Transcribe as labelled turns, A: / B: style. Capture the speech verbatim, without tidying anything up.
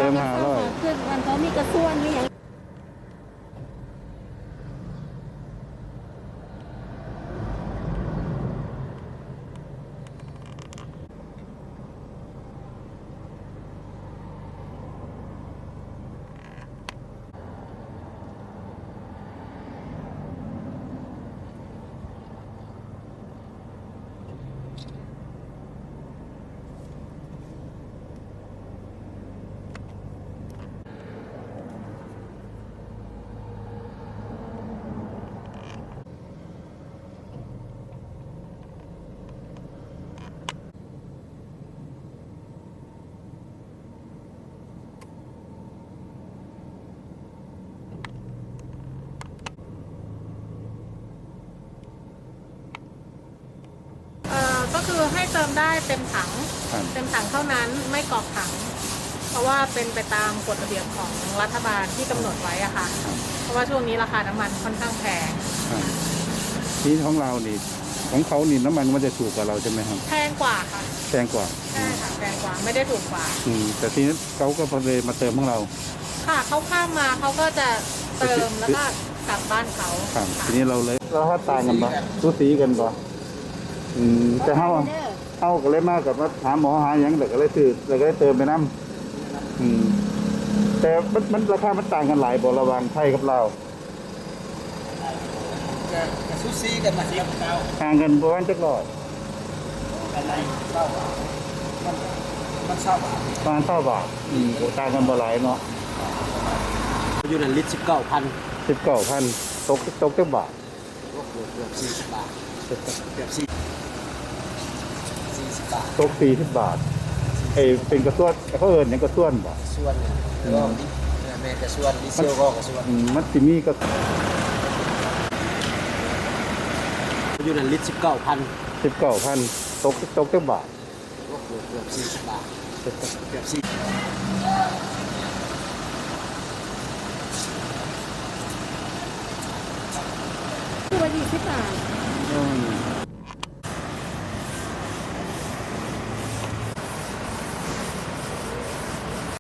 A: ติมห้าร้อย
B: คือมันเขามีกระส่วนมีอย่างก็คือให้เติมได้เต็มถังเต็มถังเท่านั้นไม่กรอกถังเพราะว่าเป็นไปตามกฎระเบียบของรัฐบาลที่กำหนดไว้อะค่ะเพราะว่าช่วงนี้ราคาน้ำมันค่อนข้างแพง
A: ที่ของเรานี่ของเขานี่น้ำมันมันจะถูกกว่าเราใช่ไหมครับ
B: แพงกว่าค่ะ
A: แพงกว่า
B: ใช่ค่ะแพงกว่าไม่ได้ถูกกว่า
A: อืมแต่ทีนี้เขาก็เลยมาเติมของเรา
B: ค่ะเขาข้ามมาเขาก็จะเติมแล้วก็กลับบ้านเขา
A: ครับทีนี้เราเลยเราถ้าต่างกันปะสูสีกันปะอืมแต่เขาเขาก็เลยมากับว่าหาหมอหาอย่างเด็กก็เลยซื้อเด็กก็เลยเติมไปน้ำอืมแต่มันมันราคามันต่างกันหลายบ่ระหว่างไทยกับเรา
C: จะซูซีกันมาสิครับ
A: ต่างกันประมาณจักร้อย
C: อะไรเศร้ามันมันเศร้า
A: ประมาณเท่าบาทอืมต่างกันบ่หลายเนาะ
C: อยู่ในลิตรสิบเก้าพัน
A: สิบเก้าพันตกตกจักบาท
C: เกือบเกือบสี่สิบบาทเกือบสี่สี่สิบบาท
A: ตกสี่สิบบาทไอเป็นกระส่วนเขาเอิญอย่างกระส่วนบ่
C: ส่วนเนี่ยก็แม่กระส่วนดิเซลก็กระส่วน
A: มันสิมีก็
C: อยู่ในลิตรสิบเก้าพัน
A: สิบเก้าพันตกตกจักบาท
C: เกือบเกือบสี่สิบบาทเกือบสี่
B: คือวันที่สิบบาท